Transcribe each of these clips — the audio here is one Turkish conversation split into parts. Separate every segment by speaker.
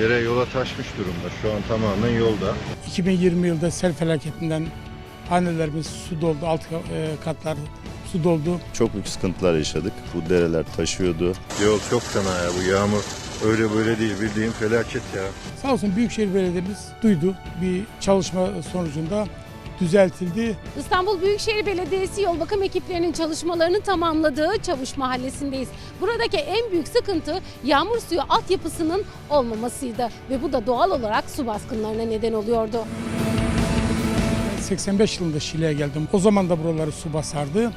Speaker 1: Dere yola taşmış durumda. Şu an tamamen yolda.
Speaker 2: 2020 yılında sel felaketinden hanelerimiz su doldu, alt katlar su doldu.
Speaker 3: Çok büyük sıkıntılar yaşadık. Bu dereler taşıyordu.
Speaker 1: Yol çok fena ya, bu yağmur öyle böyle değil, bildiğin felaket ya.
Speaker 2: Sağ olsun Büyükşehir Belediye'miz duydu. Bir çalışma sonucunda düzeltildi.
Speaker 4: İstanbul Büyükşehir Belediyesi yol bakım ekiplerinin çalışmalarını tamamladığı Çavuş Mahallesi'ndeyiz. Buradaki en büyük sıkıntı yağmur suyu altyapısının olmamasıydı ve bu da doğal olarak su baskınlarına neden oluyordu.
Speaker 2: 85 yılında Şile'ye geldim. O zaman da buraları su basardı.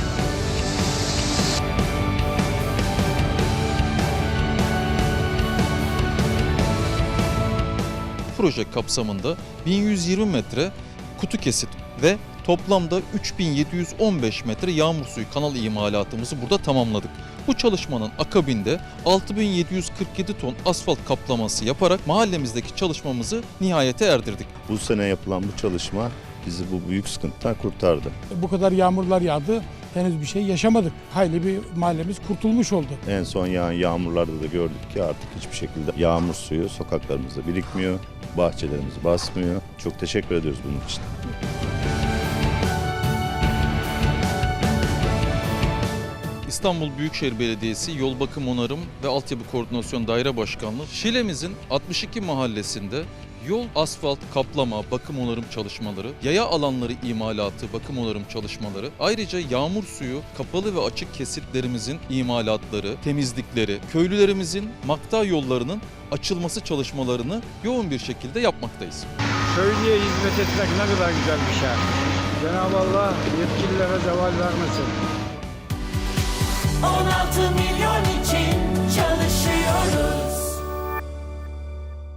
Speaker 5: Proje kapsamında 1120 metre kutu kesit ve toplamda 3715 metre yağmur suyu kanal imalatımızı burada tamamladık. Bu çalışmanın akabinde 6747 ton asfalt kaplaması yaparak mahallemizdeki çalışmamızı nihayete erdirdik.
Speaker 3: Bu sene yapılan bu çalışma bizi bu büyük sıkıntıdan kurtardı.
Speaker 2: Bu kadar yağmurlar yağdı. Henüz bir şey yaşamadık. Hayli bir mahallemiz kurtulmuş oldu.
Speaker 3: En son yağan yağmurlarda da gördük ki artık hiçbir şekilde yağmur suyu sokaklarımızda birikmiyor. Bahçelerimizi basmıyor. Çok teşekkür ediyoruz bunun için.
Speaker 5: İstanbul Büyükşehir Belediyesi Yol Bakım Onarım ve Altyapı Koordinasyon Daire Başkanlığı Şile'mizin 62 mahallesinde yol, asfalt, kaplama, bakım onarım çalışmaları, yaya alanları imalatı, bakım onarım çalışmaları, ayrıca yağmur suyu, kapalı ve açık kesitlerimizin imalatları, temizlikleri, köylülerimizin makta yollarının açılması çalışmalarını yoğun bir şekilde yapmaktayız.
Speaker 6: Köylüye hizmet etmek ne kadar güzel bir şey. Cenab-ı Allah yetkililere zeval vermesin.
Speaker 7: 16 milyon için